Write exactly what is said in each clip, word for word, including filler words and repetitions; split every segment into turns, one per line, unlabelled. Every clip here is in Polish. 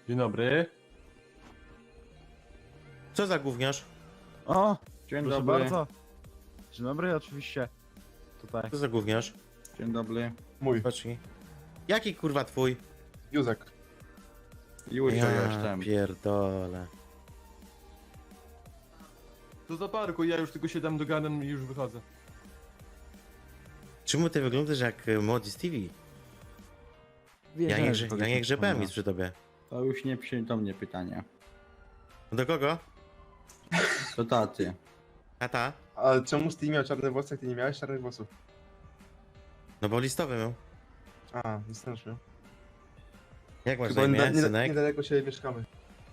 Dzień dobry.
Co za gówniarz?
O,
Dzień
proszę
dobry.
bardzo. Dzień dobry, oczywiście. Tutaj.
Co za gówniarz?
Dzień dobry.
Mój,
Patrzcie. Jaki kurwa twój?
Józek.
Już
Ja
jestem.
pierdolę.
To za parku, ja już tylko się tam dogadam i już wychodzę.
Czemu ty wyglądasz jak y, młody Stevie? Ja nie, grze, ja nie grzebałem nic przy tobie.
To już nie przy do mnie pytanie.
Do kogo?
To taty.
Tata?
A czemu Steve miał czarne włosy, jak ty nie miałeś czarnych włosów?
No bo listowy miał.
A, nie strasznie.
Jak masz na
Chyba
imię,
nie, nie,
synek?
niedaleko siebie mieszkamy.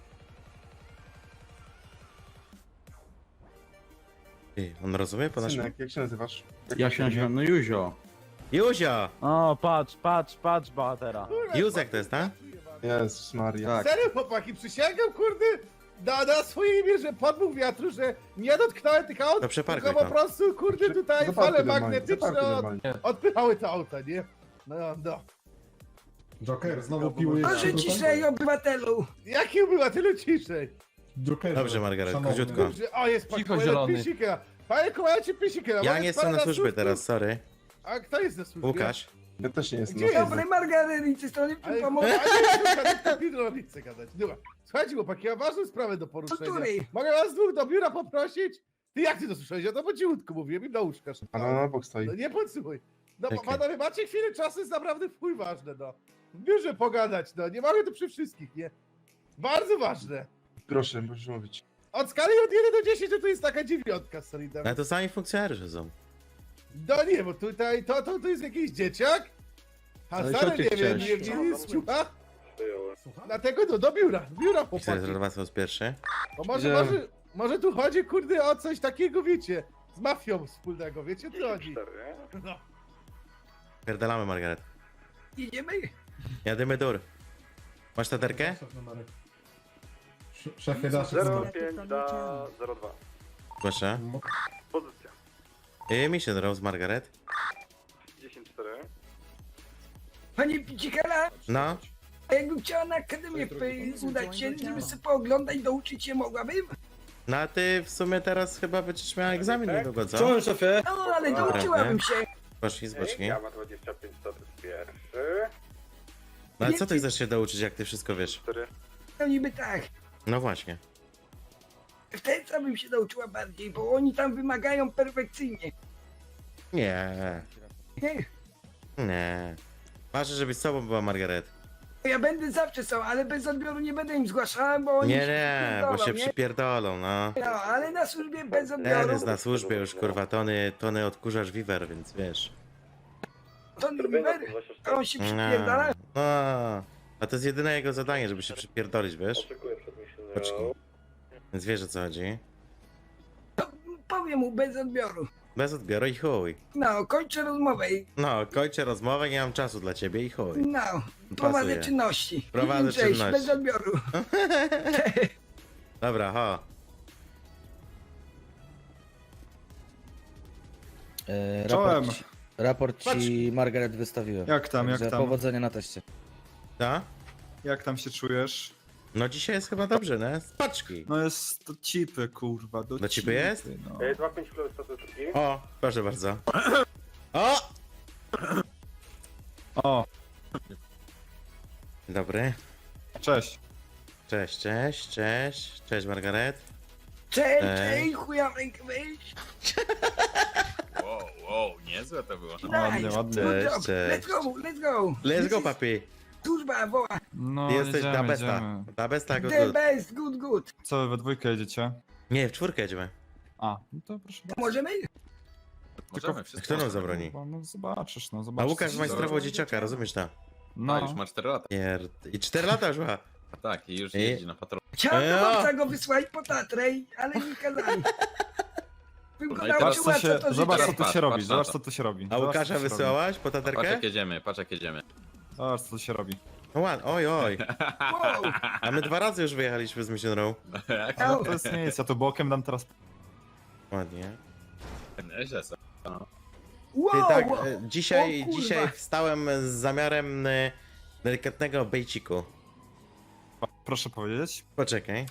Ty, on rozumie po naszym?
Synek, jak się nazywasz? Jak
Ja się nazywam no Józio.
Józio!
O, patrz, patrz, patrz, bohatera.
Józek to jest, tak?
Jezus Maria.
Tak.
Serio, chłopaki, przysięgam, kurde, na, na swoje imię, że podmuch wiatru, że nie dotknąłem tych aut,
To przeparkuj
tylko po
to.
prostu, kurde, tutaj
Zaparkuj
fale
normalnie,
magnetyczne
zaparkuj
od,
normalnie.
odpychały te auta, nie? No, no.
Joker, znowu piłujesz
Proszę
się tutaj?
ciszej, obywatelu!
Jaki była tyle ciszej?
Jokerze,
Dobrze, Margaret,
szanowny.
króciutko.
Kurczę, o, jest pan
Cicho,
komendant
zielony.
Pisikera. Panie komendancie Pisikera,
Ja
może
nie
jest pan
jestem na służbie
służbie?
teraz, sorry.
A kto jest na służbie?
Łukasz.
Ja też nie jestem.
Gdzie
na
jest?
służbie.
Dobry Margarety, strony
Ale
ci
a
pomogę.
nie jest kadetką Pidrolicy gadać. Dobra, słuchajcie chłopaki, ja mam ważną sprawę do poruszenia.
której?
Mogę was dwóch do biura poprosić? Ty jak ty to słyszałeś? Ja to po cichutku mówiłem i na łóżka
A
szeptałem.
no, na bok stoi.
No nie podsłuchuj. No
Czekaj.
panowie, macie chwilę czasu, jest naprawdę w chuj ważne, no. W biurze pogadać, no. Nie mogę tu przy wszystkich, nie? Bardzo ważne.
Proszę, możesz mówić.
Od skali od jeden do dziesięciu to jest taka dziewiątka z solidem.
Ale to sami funkcjonariusze są.
No nie, bo tutaj to, to, to jest jakiś dzieciak. A
Ale
stary
co ty
nie wiem,
chcesz?
nie, nie jest ciucha. Dlatego no, do biura, do biura chłopaki.
cztery są pierwszy.
Bo może,
Że-
może, może tu chodzi, kurde, o coś takiego, wiecie, z mafią wspólnego, wiecie, o co chodzi. No.
Pierdalamy, Margaret.
Jedziemy?
Jadymy dur. Masz taterkę?
Sz- Szefie, dasz numer.
zero dwa.
Proszę.
Pozycja.
I Mission Rose, Margaret.
dziesięć cztery.
Panie Picikala,
No.
a jakbym chciała na akademię w- udać się, żeby sobie pooglądać, douczyć się mogłabym?
No a ty w sumie teraz chyba będziesz miał egzamin niedługo, co?
szefie?
No, ale
Dobra,
douczyłabym się.
Poszli z boczki.
Ja ma dwadzieścia pięć status pierwszy.
No ale co ty chcesz się douczyć, jak ty wszystko wiesz?
cztery.
No niby tak.
No właśnie.
Wtedy co bym się douczyła bardziej, bo oni tam wymagają perfekcyjnie.
Nie.
Nie?
Nie. Ważne, żebyś z sobą była, Margaret.
Ja będę zawsze są, ale bez odbioru nie będę im zgłaszała, bo oni
Nie,
się
nie, bo
przypierdolą,
się
nie?
przypierdolą, no.
No, ale na służbie bez
Ten
odbioru.
jest na służbie już, kurwa, tony, tony odkurzasz wiwer, więc wiesz.
To Niver, a on się
No,
przypierdala.
no. A to jest jedyne jego zadanie, żeby się przypierdolić, wiesz?
Oczekuję przed misją.
Poczekaj. Więc wiesz, o co chodzi.
Powiem mu bez odbioru.
Bez odbioru i chuj.
No, kończę rozmowę. i-
No, kończę rozmowę, nie mam czasu dla ciebie i chuj.
No, prowadzę
Pasuje.
czynności.
Prowadzę
Cześć,
czynności.
bez odbioru.
Dobra, ho.
E,
Czołem.
raport, ci- raport ci Margaret wystawiłem.
Jak tam, jak
Także
tam?
powodzenia na teście.
Co?
Jak tam się czujesz?
No dzisiaj jest chyba dobrze, nie? Z paczki.
No jest to cipy, kurwa. Do,
Do cipy jest?
No.
dwa pięć plus status drugi.
O, proszę bardzo. O!
O,
Dobry.
cześć.
Cześć, cześć, cześć. Cześć, Margaret.
Cześć,
Cześć.
cześć, chuja w rękę wyjść.
Wow, wow, niezłe to było.
Ładnie,
Nice,
ładnie.
good
Cześć,
job.
cześć.
Let's go, let's go.
Let's
This
go,
is
papi.
Służba woła.
No,
Ty jesteś
jedziemy,
da besta.
jedziemy.
Da besta, good,
The
good.
best, good, good.
Co, wy we dwójkę jedziecie?
Nie, w czwórkę jedziemy.
A, no to proszę bardzo.
Możemy?
Możemy wszystko.
Kto nam zabroni?
No, no zobaczysz, no
A
zobaczysz.
Łukasz
co się
majstrował
zrobi.
dzieciaka, rozumiesz to?
No,
No,
już ma cztery lata.
Pierd... I cztery lata już ma.
Tak, i już
I-
jeździ na patrolu.
Chciałem
Ejo.
do babca go wysłać po Tatrę, ale nie kazali. Bym go
No i teraz
nauczyła,
co
co
się,
to
zobacz co
życie.
tu
Patrz,
się robi,
patrz na
zobacz
to.
co tu się robi.
A
Zobacz, co
Łukasza
tu się
wysyłałaś po
Patrz jak
taterkę?
jedziemy, patrz jak jedziemy.
robi. Zobacz co tu się robi.
No ładnie, oj, oj.
Wow,
A my dwa razy już wyjechaliśmy z Mission Row.
No to jest nic, ja tu bokiem dam teraz.
Ładnie.
Nieźle są.
Ty
wow,
tak,
wow.
e, dzisiaj,
O kurwa.
dzisiaj wstałem z zamiarem e, delikatnego bejciku.
Proszę powiedzieć.
Poczekaj.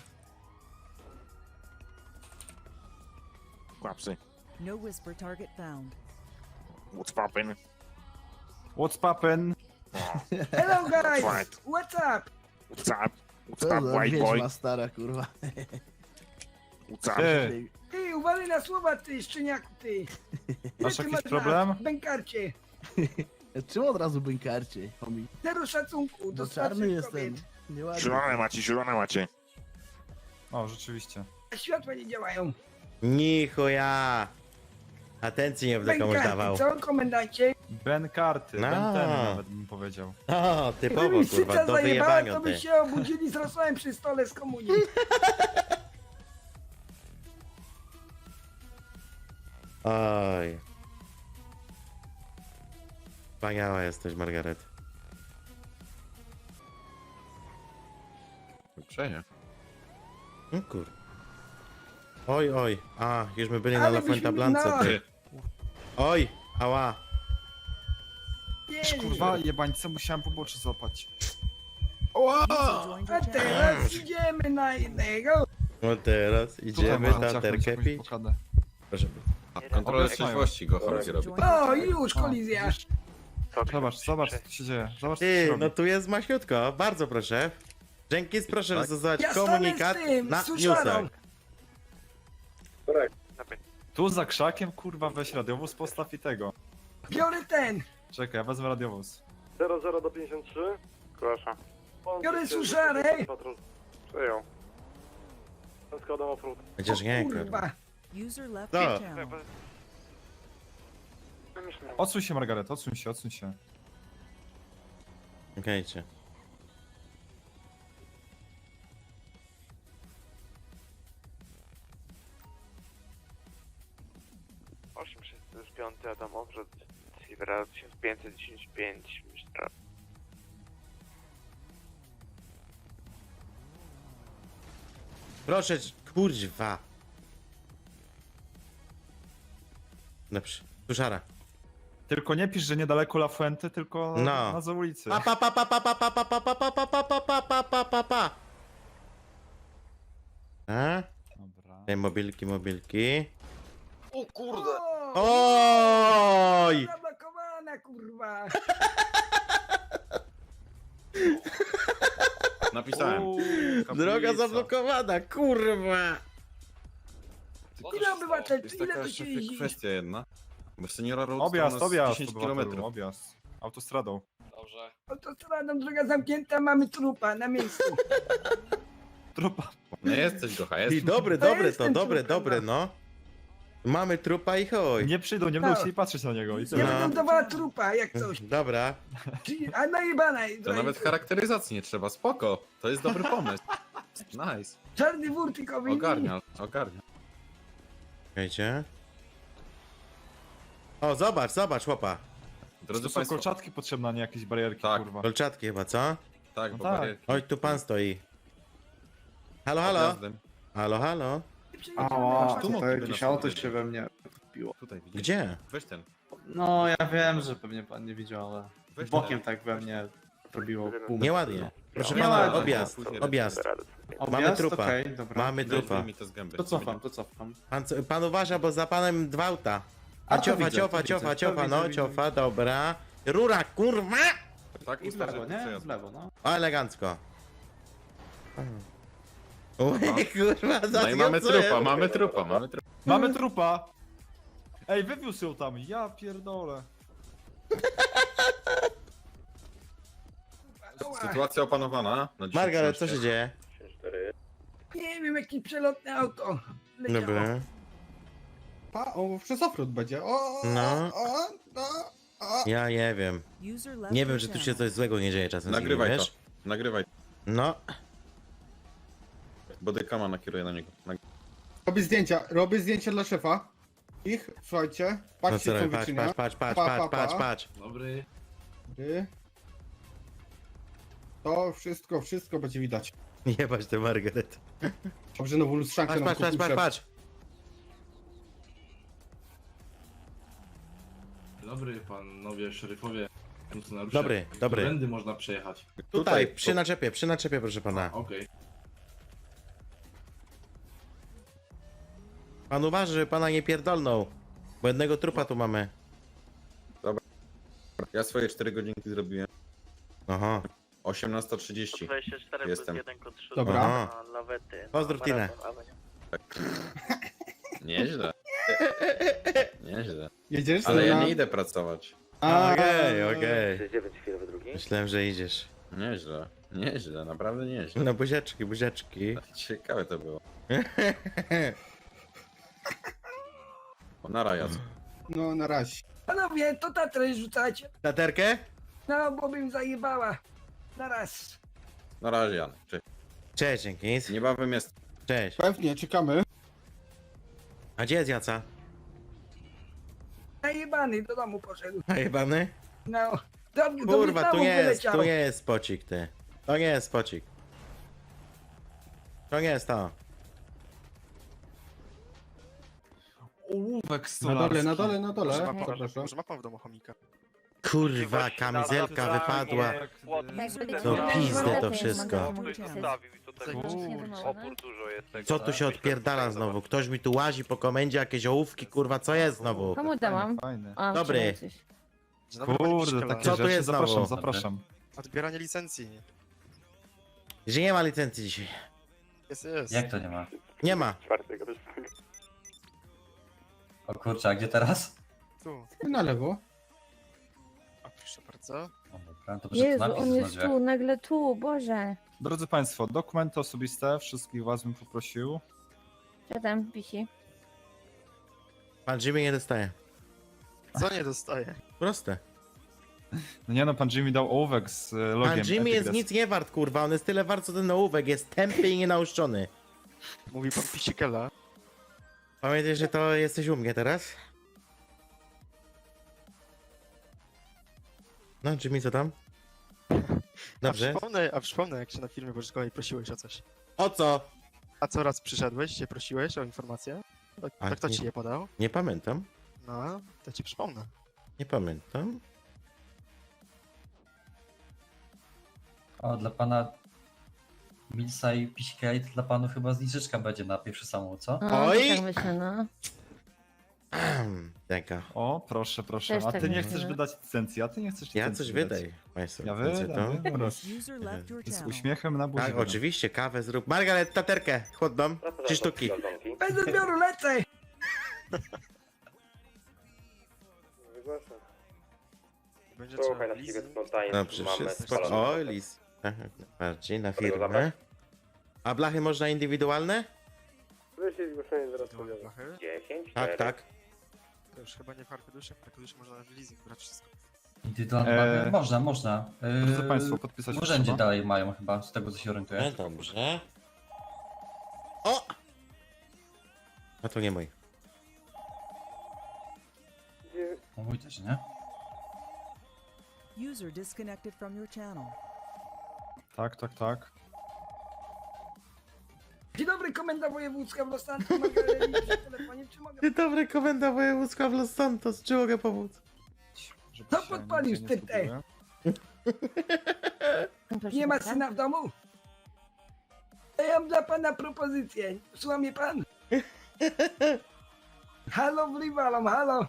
Łapsy.
No whisper target found.
What's poppin'?
What's poppin'?
Hello guys!
Right.
What's up?
What's up? What's up, white boy?
stara, kurwa.
What's up?
Ty,
Ty, uważaj na słowa, ty, szczeniaku, ty. Ile
masz
ty
jakiś
masz
problem?
lat? Bękarcie.
Czemu od razu bękarcie, homie?
Zero szacunku do
No czarny
starszych
jestem.
kobiet.
Nieładnie.
Zielone macie, zielone macie.
O, rzeczywiście.
A światła nie działają.
Nichuja. Atencji nie będę komuś dawał.
Bękarty, co, komendancie?
Ben karty,
No.
Ben ten nawet bym powiedział.
O, typowo,
Gdyby mi
kurwa,
syca
do
zajebała,
wyjebania
to by
ty.
się obudzili z rosołem przy stole z komunii.
Oj. Wspaniała jesteś, Margaret.
Przeje.
No kur... Oj, oj. A, już my byli na
Ale
La Fuenta
byśmy-
Blance,
no.
ty. Oj, ała.
Nie,
Kurwa, jebańce, musiałem pobocze złapać.
Joined
A
your channel.
teraz idziemy na innego.
No teraz
Tutaj
idziemy
można
na
ciachnąć jakąś
terkepi.
blokadę.
Proszę bardzo.
Kontrola
Obecnie.
trzeźwości go chodzi robi.
Joined your
O,
channel.
już kolizja.
Zobacz, zobacz co tu się dzieje. Zobacz co się
Ty,
robi.
no tu jest maśniutko, bardzo proszę. Jenkins, proszę
Tak?
zastosować
Ja stanę
komunikat
z tym,
na
z suszarą.
newsach.
Tu za krzakiem, kurwa, weź radiowóz, postaw i tego.
Biorę ten.
Czekaj, ja wezmę radiowóz.
zero zero do pięćdziesiąt trzy. Proszę.
Biorę suszarę.
Przyjął. Składam offroad.
Chociaż nie, kurwa.
Kurwa.
User left
Co?
your channel.
Odsuń się, Margaret, odsuń się, odsuń się.
Okejcie.
osiem sześć pięć, a tam odwrót Silvera tysiąc pięćset dziesięć pięć.
Proszę, kurwa. Dobrze, suszara.
Tylko nie pisz, że niedaleko La Fuente, tylko
No.
na za ulicy.
Pa pa pa pa pa pa pa pa pa pa pa pa pa pa pa pa pa pa. A?
Dobra.
Te mobilki, mobilki.
O kurde!
O,
Oj!
zablokowana, kurwa.
Napisałem.
Uuu,
Droga
kaplica.
zablokowana, kurwa!
Ile obywatel,
Jest
ile
taka
tu
jeszcze
się jeździ?
kwestia jedna. Bo seniora Road
Objazd,
to u nas
objazd,
dziesięć
obywatelu,
kilometrów.
objazd. Autostradą.
Dobrze.
Autostradą, droga zamknięta, mamy trupa na miejscu.
Trupa.
Nie jesteś gocha,
I
jest.
dobre,
To
dobre
jest
to,
ten
dobre,
trupem,
dobre, no. Mamy trupa i chuj.
Nie przyjdą, nie będą chcieli patrzeć na niego. I
Ja
tyle.
No.
będę dawała trupa, jak coś.
Dobra.
Czyli- A najebana.
To nawet charakteryzacji nie trzeba, spoko. To jest dobry pomysł. Nice.
Czarny wór tylko
Ogarnia, ogarnia.
Czekajcie. O, zobacz, zobacz, chłopa.
Drodzy
To są
Państwo,
kolczatki potrzebne, a nie jakieś barierki,
Tak.
kurwa.
Kolczatki chyba, co?
tak,
No
bo
tak.
barierki
Oj, tu pan stoi. Halo, halo?
objazdem.
Halo, halo?
Ała,
tu
to
mogliby
jakieś
nas
auto
powiedzieć.
się we mnie wpiło.
Tutaj widzisz.
Gdzie?
Weź ten.
No, ja wiem, że pewnie pan nie widział, ale
Weź
bokiem
ten.
tak we mnie robiło bum.
Nieładnie. Proszę
Nie
pana,
ładnie.
objazd,
Później
objazd.
Objazd?
Mamy trupa.
Okej, dobra.
Mamy
Weź
trupa.
mi to z gęby.
To cofam, to cofam.
Pan, co- pan uważa, bo za panem dwa auta. A,
A to
ciofa,
widzę,
ciofa,
to
ciofa,
widzę, to
ciofa,
widzę,
no,
widzę,
ciofa, dobra. Rura, kurwa!
Tak,
I w lewo,
ustawię
nie? W lewo, no.
O, elegancko. Oj, kurwa,
No i mamy
zaskoczyłem.
trupa, mamy trupa, mamy trupa.
Mamy trupa! Ej, wywiózł ją tam, ja pierdolę.
Sytuacja opanowana na dziesięć
Margaret, co
trzynaście.
się dzieje?
Nie wiem, jakie przelotne auto. leciało.
Dobra.
Pa, o, przez offroad będzie. O,
No.
o, o, o.
Ja nie wiem.
User left
Nie wiem,
your
że tu się
channel.
coś złego nie dzieje czasem z nimi,
Nagrywaj to,
wiesz?
nagrywaj.
No,
Bodykama nakieruję na niego. Nag-
Robię zdjęcia, robię zdjęcia dla szefa. Ich, słuchajcie,
no
patrzcie
co
co
robię, patrz,
wyczynia.
patrz, patrz, patrz,
Pa,
patrz,
pa,
patrz,
pa.
patrz.
Dobry. To wszystko, wszystko będzie widać.
Jebać tę Margaret.
Dobrze, nową lustrzankę
Patrz,
nam
patrz, patrz,
kupił
patrz,
szef.
patrz.
Dobry panowie szeryfowie.
Dobry, dobry.
Którędy można przejechać?
Tutaj, przy naczepie, przy naczepie, proszę pana.
Okej.
Pan uważy, żeby pana nie pierdolnął. Bo jednego trupa tu mamy.
Ja swoje cztery godzinki zrobiłem.
Aha.
osiemnasta trzydzieści.
dwadzieścia cztery
Jestem.
plus jeden kod trzy.
Dobra.
Aha.
Lawety.
Pozdrów Tinę.
Nieźle. Nieźle.
Jedziesz?
Ale ja
Na-
nie idę pracować.
A,
Okej, okej.
dziewięć chwilowy drugi.
Myślałem, że idziesz.
Nieźle. Nieźle, naprawdę nieźle.
No buziaczki, buziaczki.
Ciekawe to było. O, na raja.
No na razie.
Panowie, to tatrę rzucacie?
Taterkę?
No, bo bym zajebała. Na raz.
Na razie, Jan. Cześć.
Cześć, dzięki.
Niebawem jest.
Cześć.
Pewnie, czekamy.
A gdzie jest Jaca?
Zajebany, do domu poszedł.
A jebany?
No. Do, do
Kurwa, tu
Wietnamu
nie jest,
wyleciał.
tu nie jest spocik, ty. To nie jest spocik. To nie jest to.
Ołówek
Na
stolarski.
dole, na dole, na dole.
Proszę, proszę,
Zapraszam.
Może ma pan w domu chomika?
Kurwa, kamizelka wypadła. No pizdę to wszystko.
Opór dużo jest tego.
Co tu się odpierdala znowu? Ktoś mi tu łazi po komendzie, jakieś ołówki, kurwa, co jest znowu?
Komu dałam?
Fajny.
A,
Dobry.
Kurde, takie
Co tu
rzeczy.
jest znowu?
Zapraszam, zapraszam.
Odbieranie licencji.
Że nie ma licencji dzisiaj.
Jest, jest.
Jak to nie ma?
Nie ma.
O kurczę, a gdzie teraz?
Tu.
Na lewo.
A proszę bardzo.
O, dobra, to
Jezu, on jest tu, nagle tu, Boże.
Drodzy Państwo, dokumenty osobiste, wszystkich Was bym poprosił.
Co tam wisi?
Pan Jimmy nie dostaje.
Co nie dostaje?
Proste.
No nie no, pan Jimmy dał ołówek z e, logiem.
Pan Jimmy jest
Epic
nic nie wart, kurwa. On jest tyle wart, co ten ołówek. Jest tępy i nienałuszczony.
Mówi pan Pisikela.
Pamiętaj, że to jesteś u mnie teraz? No, Jimmy, co tam? Dobrze.
A przypomnę, a przypomnę, jak się na filmie pożyczkowej prosiłeś o coś.
O co?
A co raz przyszedłeś, się prosiłeś o informację? To,
A,
to kto
nie-
ci je podał?
Nie pamiętam.
No, to ci przypomnę.
Nie pamiętam.
O, dla pana Milsa i Pisikej, to dla panu chyba zniżeczka będzie na pierwszy samochód, co?
Oj!
Tak myślę, no.
Taka.
O, proszę, proszę.
Też
A
tak
ty nie
myślę,
chcesz
no.
wydać licencji, a ty nie chcesz
Ja
licencji
coś
wydać.
wydaj. Państwo.
Ja
Wiecie
wydam,
to?
wydam.
User left your
Z
channel.
uśmiechem na buzi.
Tak,
wydam.
oczywiście, kawę zrób. Margaret, taterkę, chłodną. Trzy sztuki.
Bez odbioru lecę!
Będzie trzeba leasing.
No przecież jest spoko. O, lis. Aha, bardziej na firmę. A blachy można indywidualne?
Blachy.
Tak, tak.
To już chyba nie w Arkadusze, w Arkadusze można w leasing brać wszystko.
Indywidualne
Eee,
mamy? Można, można. Eee,
Drodzy Państwo, podpisać
w urzędzie
trzeba.
dalej mają chyba, z tego co się
No
orientuję.
dobrze. O! A to nie mój.
No mój też, nie?
User disconnected from your channel.
Tak, tak, tak.
Dzień dobry, komenda wojewódzka w Los Santos. Margareli przy telefonie, czy mogę...
Dzień dobry, komenda wojewódzka w Los Santos. Czy mogę pomóc?
Żeby
To
się
podpalił
nic nie
ty, ty.
zgubiłem.
Nie ma syna w domu? To ja mam dla pana propozycję. Słucha mnie pan? Halo, wliwalom, halo.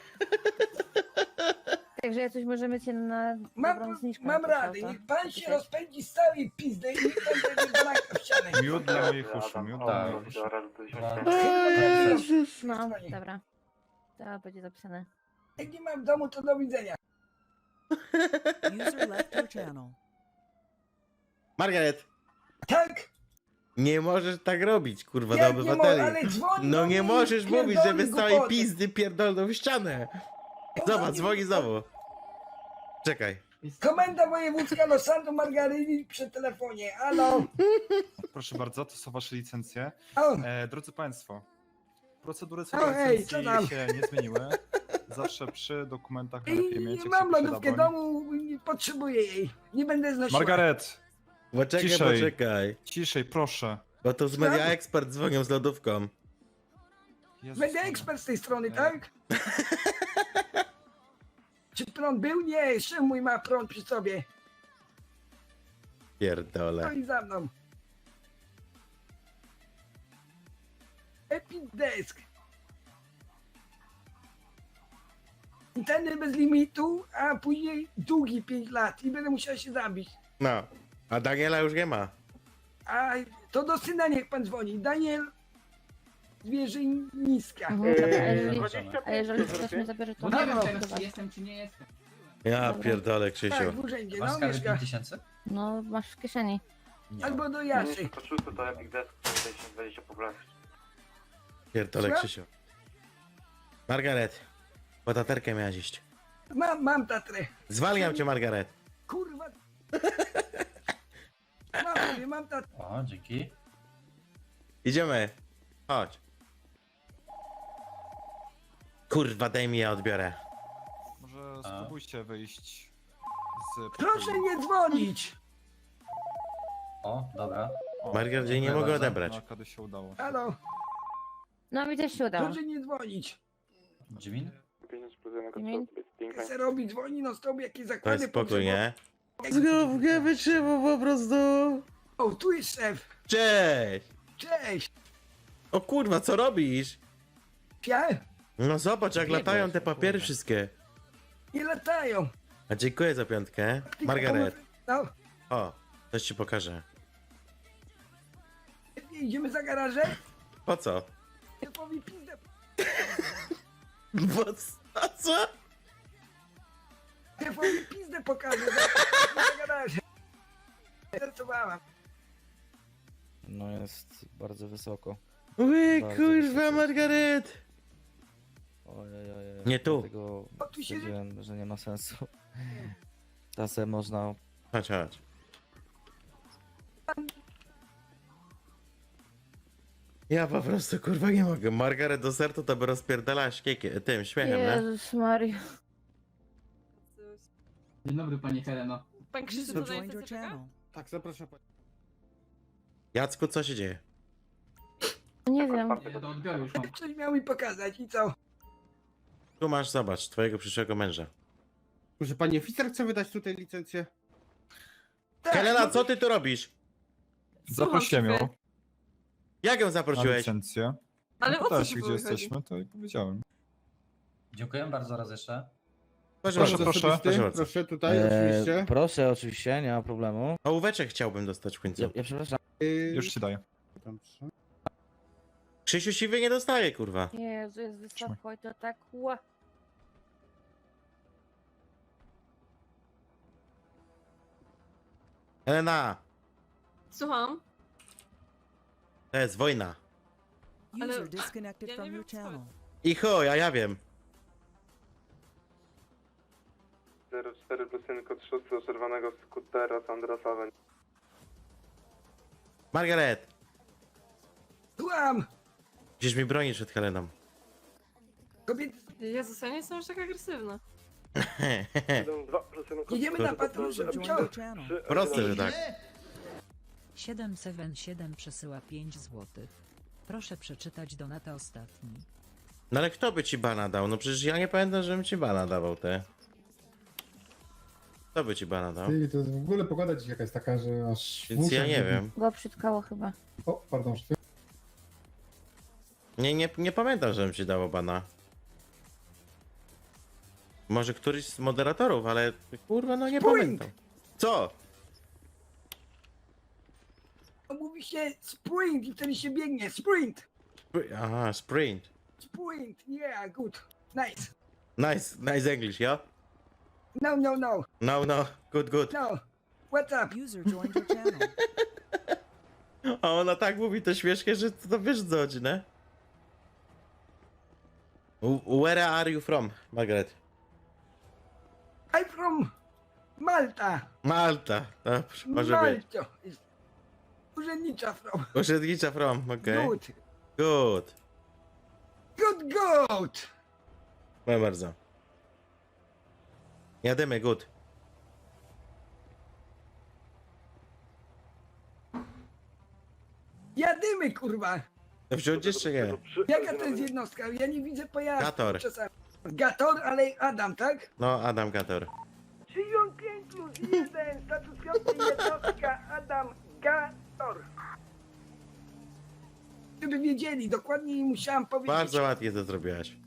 Także ja coś możemy cię na dobrą
Mam,
zniżkę
mam
napisał,
radę.
to?
Niech pan się
Napisać.
rozpędzi z całej pizdy i niech pan będzie banaka w ścianę.
Miód dla moich uszu, miód dla
Tak.
moich uszu.
No, dobra. To będzie zapisane.
Jak nie mam w domu, to do widzenia.
User left your channel.
Margaret,
Tak?
nie możesz tak robić, kurwa, do
Jak nie mo-
obywateli.
ale dzwoni
No
do
nie
mnie i
możesz mówić,
pierdoli
żeby z całej
głupoty.
pizdy pierdolną w ścianę. Zobacz, dzwoni znowu. Czekaj.
Komenda wojewódzka Los Santos Margareli przy telefonie. Halo.
Proszę bardzo, to są wasze licencje.
O,
E, drodzy Państwo, procedury co
O,
do
hej, co
licencji
tam?
się nie zmieniły. Zawsze przy dokumentach najlepiej mieć,
i
jak
mam
się
lodówkę
posiada
domu, nie potrzebuję jej. Nie będę znosiła.
Margaret,
Poczekaj,
Ciszej.
poczekaj.
ciszej, proszę.
Bo to z Media Expert dzwonią z lodówką.
Jezus
Będę
Maria.
ekspert z tej strony,
E.
tak? Czy prąd był? Nie, mój ma prąd przy sobie.
Pierdolę.
Stoi za mną. Epic Desk. Internet bez limitu, a później długi pięć lat i będę musiał się zabić.
No. A Daniela już nie ma.
A to do syna niech pan dzwoni. Daniel Zwierzyniska.
Mhm, dobra, a jeżeli,
Zobaczymy.
a jeżeli ktoś mnie zabierze, to
No nie wiem
mogę
teraz,
odbywać.
jestem czy nie jestem.
Ja
Dobra.
pierdolę,
Tak,
Krzysiu.
w urzędzie,
Masz
no
skarby
mieszka.
pięć tysięcy?
No, masz w kieszeni.
Nie.
Albo do Jaszy.
Po szóste to Epic Desk, dwadzieścia poprawki.
Pierdolę,
Słucham?
Krzysiu. Margaret. Po taterkę miałaś iść.
Mam, mam tatrę.
Zwalniam cię, Margaret.
Kurwa. Mam sobie, mam tatrę.
O, dzięki.
Idziemy. Chodź. Kurwa, daj mi, ja odbiorę.
Może
A.
spróbujcie wyjść z...
Proszę nie dzwonić.
O, dobra.
O,
Margaret, nie
dziękuję
mogę
bardzo.
odebrać.
no, kiedy się udało.
Halo,
No mi też się udało.
proszę nie dzwonić.
Dziwin?
Imień?
Se robi, dzwoni, no stop, jakie
To
zakłady
jest spokój, nie?
potrzebował.
Nie wytrzymał po prostu.
O, tu jest szef.
Cześć.
Cześć.
O kurwa, co robisz?
Ja?
No zobacz, jak
Biegłeś,
latają te
o
papiery
kurwa.
wszystkie.
Nie latają.
A dziękuję za piątkę.
Tylko
Margaret.
pomoże- No,
O, coś ci pokażę.
idziemy za garażę.
Po co?
Szefowi pizdę.
Bo a co?
Szefowi pizdę pokażę. Za, za garażę. Żartowałam.
No jest bardzo wysoko.
Ły,
Bardzo
kurwa,
wysoko.
Margaret.
Ojej, ojej.
Nie tu.
Dlatego
O, tu się-
stwierdziłem, że nie ma sensu. Czasem można...
Chodź, chodź. Ja po prostu kurwa nie mogę. Margaret do sertu to by rozpierdalała śmiekiem, tym śmiechem, nie?
Jezus Maria.
Dzień dobry, pani Heleno.
Pan Krzysztof
No
to
joined
na
your
czeka?
channel.
Tak, zapraszam pani.
Jacku, co się dzieje?
Nie wiem.
Ja do odbioru już mam.
Coś miał mi pokazać i co?
Tu masz, zobacz, twojego przyszłego męża.
Proszę pani oficer chce wydać tutaj licencję?
Tak,
Helena,
no,
co ty tu robisz?
Zaprosiłem ją
Jak ją
na
zaprosiłeś?
licencję.
Ale o co
Pytałeś
tu
się, gdzie
było chodzi?
jesteśmy, to i powiedziałem.
Dziękuję bardzo raz jeszcze.
Proszę,
Proszę,
bardzo.
proszę.
Osobisty?
Proszę bardzo.
Proszę tutaj, oczywiście.
Proszę, oczywiście, nie ma problemu.
Ołóweczek chciałbym dostać w końcu.
Ja, ja przepraszam.
Yy,
Już ci daję.
Dobrze.
Krzysiu siwy nie dostaje, kurwa.
Jezu, jest wysoko i to tak ła.
Helena,
Słucham?
to jest wojna.
Ale- User disconnected Ja from nie your wiem, co- channel.
I chuj, a ja wiem.
zero cztery plus jeden kod szósty oczerwanego skutera Sandra Sawen.
Margaret,
Słucham.
musisz mi bronić przed Heleną.
Kobiety,
Jezus, ja nie jestem aż tak agresywna.
dwa plus jeden
jedziemy na patrol,
User
żeby
joined
ciąć.
your channel.
Proste, że tak.
siedem siedem siedem przesyła pięć złotych. Proszę przeczytać donata ostatni.
No ale kto by ci bana dał? No przecież ja nie pamiętam, żebym ci bana dawał, te. Kto by ci bana dał?
Ty, to w ogóle pogoda dzisiaj jakaś taka, że aż...
Więc ja nie wiem.
Go przytkało chyba.
O, pardon, szwy.
Nie, nie, nie pamiętam, żebym ci dawał bana. Może któryś z moderatorów, ale kurwa, no nie
Sprint!
pamiętam. Co?
Mówi się sprint i wtedy się biegnie. Sprint.
Spr- Aha, sprint.
Sprint. Yeah, good. Nice.
Nice, nice English, ja?
No, no, no.
No, no, good, good.
No. What's up?
User joined your channel.
A ona tak mówi to śmiesznie, że to wiesz co chodzi, nie? W- Where are you from, Margaret?
I'm from Malta.
Malta, dobrze, może być.
Malto. Urzędnicza from.
Urzędnicza from, okej.
Good.
Good.
Good goat.
Proszę bardzo. Jadymy, good.
Jadymy, kurwa.
To wziąć jeszcze nie.
Jaka to jest jednostka? Ja nie widzę pojazdu
Kator.
czasami. Gator, ale Adam, tak?
No, Adam Gator.
trzydzieści pięć plus jeden, status piąty, jednostka, Adam Gator. Żeby wiedzieli, dokładnie musiałam powiedzieć.
Bardzo ładnie to zrobiłaś.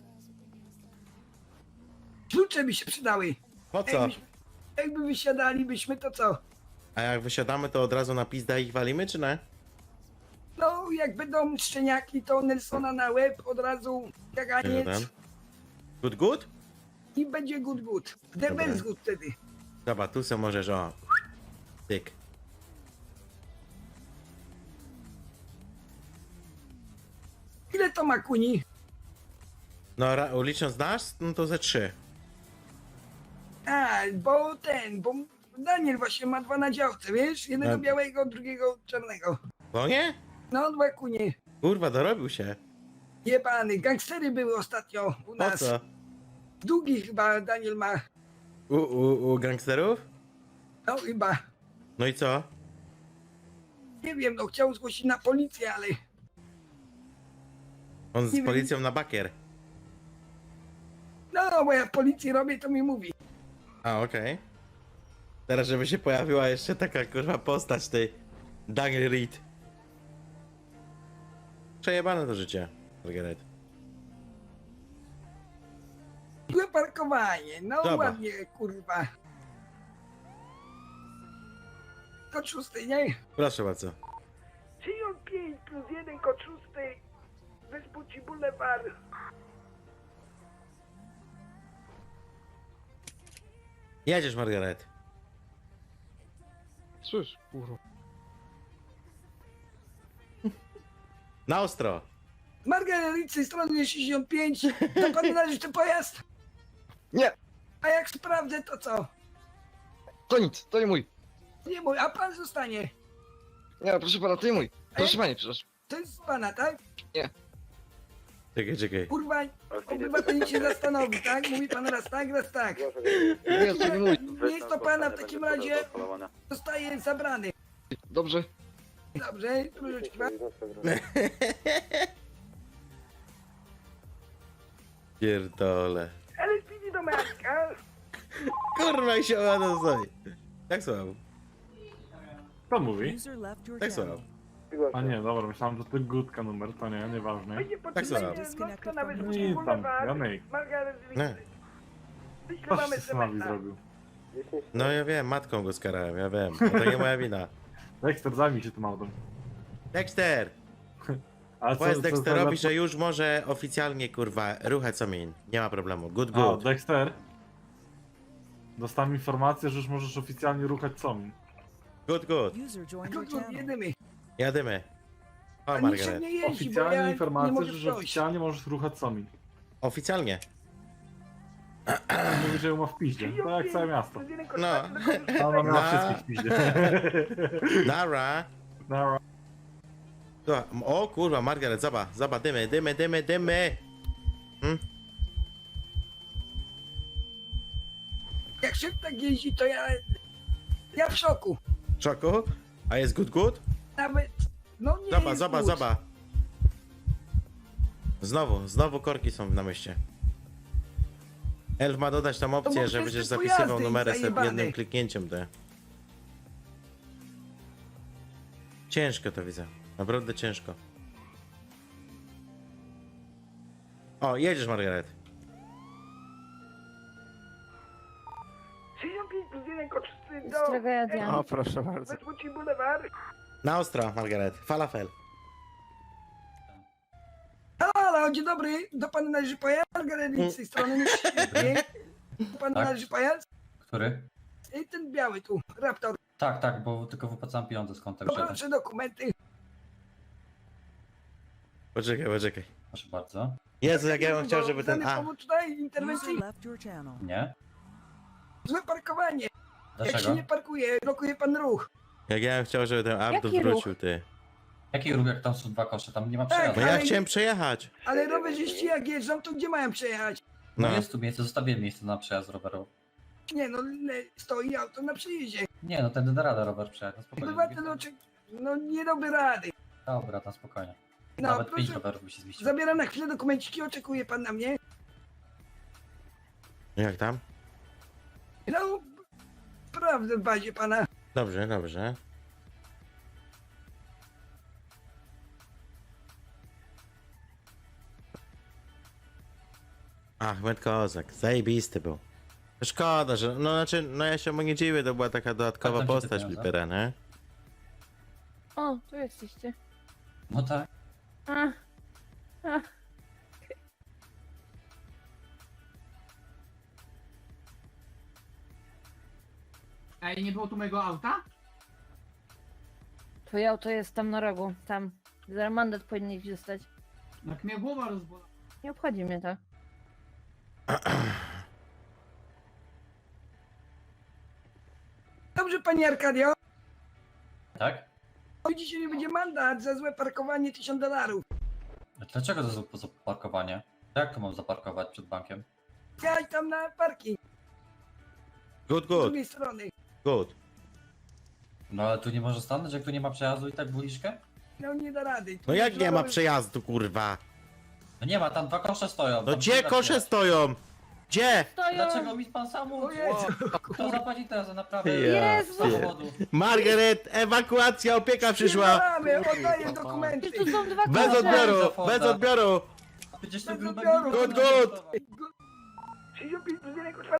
Klucze by się przydały.
Po co?
Jakbyś- Jakby wysiadalibyśmy, to co?
A jak wysiadamy, to od razu na pizda ich walimy, czy nie?
No, jak będą szczeniaki, to Nelsona na łeb, od razu kaganiec
Jeden. Good, good?
i będzie good good. The
Dobra.
best good wtedy.
Dobra, tu sobie możesz, o. Tyk.
Ile to ma kuni?
No, ra- licząc nas, no to ze trzy.
A, bo ten, bo Daniel właśnie ma dwa na działce, wiesz? Jednego
A-
białego, drugiego czarnego.
No nie?
No, dwa kunie.
Kurwa, dorobił się.
Jebany, gangstery były ostatnio u
Po
nas.
co?
Długi chyba Daniel ma.
U, u, u gangsterów?
No chyba.
No i co?
Nie wiem, no chciał zgłosić na policję, ale
On
Nie
z
wiem.
policją na bakier.
no, bo ja w policji robię, to mi mówi.
A, okej. Teraz, żeby się pojawiła jeszcze taka kurwa postać tej Daniel Reed. Przejebane to życie, Margaret.
Złe parkowanie, no
Dobra.
ładnie, kurwa. Kod szósty, nie?
Proszę bardzo.
trzydzieści pięć plus jeden, kod szósty. Wyspuci Boulevard.
Jedziesz, Margaret.
Cóż, kurwa.
Na ostro.
Margarelicy, strony sześćdziesiąt pięć. To panu należy ten pojazd?
Nie.
A jak sprawdzę, to co?
To nic, to nie mój.
Nie mój, a pan zostanie.
Nie, proszę pana, to nie mój.
Proszę
pani, przepraszam.
To jest pana, tak?
Czekaj, czekaj.
Kurwa, obywatel się zastanowi, tak? Mówi pan raz tak, raz tak.
Nie, to nie mój.
Nie jest to pana w takim razie zostaje zabrany.
Dobrze.
Dobrze, troszeczkę.
Pierdole.
Ale spidi do Marka.
Kurwa, i się ładno stoi. Tak słucham.
Kto mówi?
Tak słucham.
A nie, dobra, myślałem, że to Gutka numer, to nie, nieważne.
Będzie
Tak słucham.
potrzebna na
No
Wyspuci
i tam,
Boulevard.
Janek,
Margaret
Nie.
co
Wyślemy
się z nami
semestra.
zrobił?
No ja wiem, matką go skarałem, ja wiem. To nie moja wina.
Dexter, zajmij się tym autem.
Dexter!
A
Powiedz Dexterowi, że już może oficjalnie, kurwa, ruchać somin. Nie ma problemu. Good,
A,
good.
Dexter. Dostałem informację, że już możesz oficjalnie ruchać Somin.
Good, good.
Kurde, jedymy.
Jadymy. O,
A nikt się
Margaret.
nie jeździ, bo
Oficjalnie
ja nie
informacja,
mogę
że
przejść.
oficjalnie możesz ruchać Somin.
Oficjalnie.
Mówi, że ją ma w piździe. To jak całe miasto.
No.
A ona miała
No.
wszystkich w piździe.
Nara.
Nara.
To- O kurwa, Margaret, zobacz, zobacz, dymy, dymy, dymy, dymy. Hmm?
Jak szybko tak jeździ, to ja... Ja w szoku.
Czoku? A jest good, good?
Nawet... No nie
Zobacz,
jest
zobacz,
good.
zobacz. Znowu, znowu korki są na mieście. Elf ma dodać tam
bo
opcję, że
przez
będziesz
te
zapisywał
pojazdy
numery sobie
zajebane.
jednym kliknięciem te. Ciężko to widzę. Naprawdę ciężko. O, jedziesz, Margaret.
trzydzieści pięć plus jeden, kod szósty do...
Tragedia.
O, proszę bardzo.
Wyspuci Boulevard.
Na ostro, Margaret. Falafel.
Halo, dzień dobry. Do pana należy pojazd? Margaret z tej strony. Nie? Do pana
Tak.
należy pojazd?
Który?
I ten biały tu, Raptor.
Tak, tak, bo tylko wypłacam pieniądze z konta grzechu.
Poproszę dokumenty.
Poczekaj, poczekaj.
Proszę bardzo.
Jezu, jak ja bym chciał, żeby ten...
Dany
A,
powód tutaj interwencji.
Nie?
Złe parkowanie. Jak się
Dlaczego?
nie parkuje, blokuje pan ruch.
jak ja bym chciał, żeby ten Abdu
Jaki ruch?
wrócił, ty.
Jaki ruch, jak tam są dwa kosze? Tam nie ma
Tak,
przejazdu.
No ja
Ale-
chciałem przejechać.
Ale rowerzyści jak jeżdżą, to gdzie mają przejechać?
No
No.
jest tu miejsce, zostawiłem miejsce na przejazd rowerowy.
Nie no, le- stoi auto na przejeździe.
Nie, no ten da radę rower przejechać, no spokojnie.
Obywatel oczy... No nie robi rady.
Dobra, tam spokojnie.
No
Nawet pięć
proszę,
rowerów by się zmieściło.
zabieram na chwilę dokumenciki, oczekuje pan na mnie.
Jak tam?
No, prawdę w bazie pana.
Dobrze, dobrze. Ahmed Kozak, zajebisty był. Szkoda, że, no znaczy, no ja się mu nie dziwię, to była taka dodatkowa
Tak, tam się
postać
dopiero,
Flipera, nie?
O, tu jesteście.
No tak.
A, a.
Ej, nie było tu mojego auta?
Twoje auto jest tam na rogu, tam. Za mandat powinieneś dostać.
Jak mnie głowa rozbola.
Nie obchodzi mnie to.
Dobrze, panie Arkadio.
Tak?
Oj, dzisiaj nie będzie mandat za złe parkowanie tysiąc dolarów.
A dlaczego to za, za parkowanie? Jak to mam zaparkować przed bankiem?
Jadź tam na parking
Good,
z
good,
drugiej strony.
good.
No ale tu nie może stanąć, jak tu nie ma przejazdu i tak buliszkę?
No nie da rady. Tu
No jak
jest
nie ma
żarowy-
przejazdu, kurwa?
No nie ma, tam dwa kosze stoją.
No
tam
gdzie
trzeba
kosze
wjechać.
stoją? Gdzie?
Stoją!
Dlaczego mi pan sam
O
mówi?
Jezu.
Kto zapłaci teraz za naprawę
Jezu.
samochodu?
Margaret, ewakuacja, opieka przyszła!
Spierdalamy, oddaję dokumenty.
Przecież tu są dwa
Bez
kosze.
odbioru, bez odbioru!
Przecież to
Bez
grube
odbioru.
Good, good.
sześćdziesiąt pięć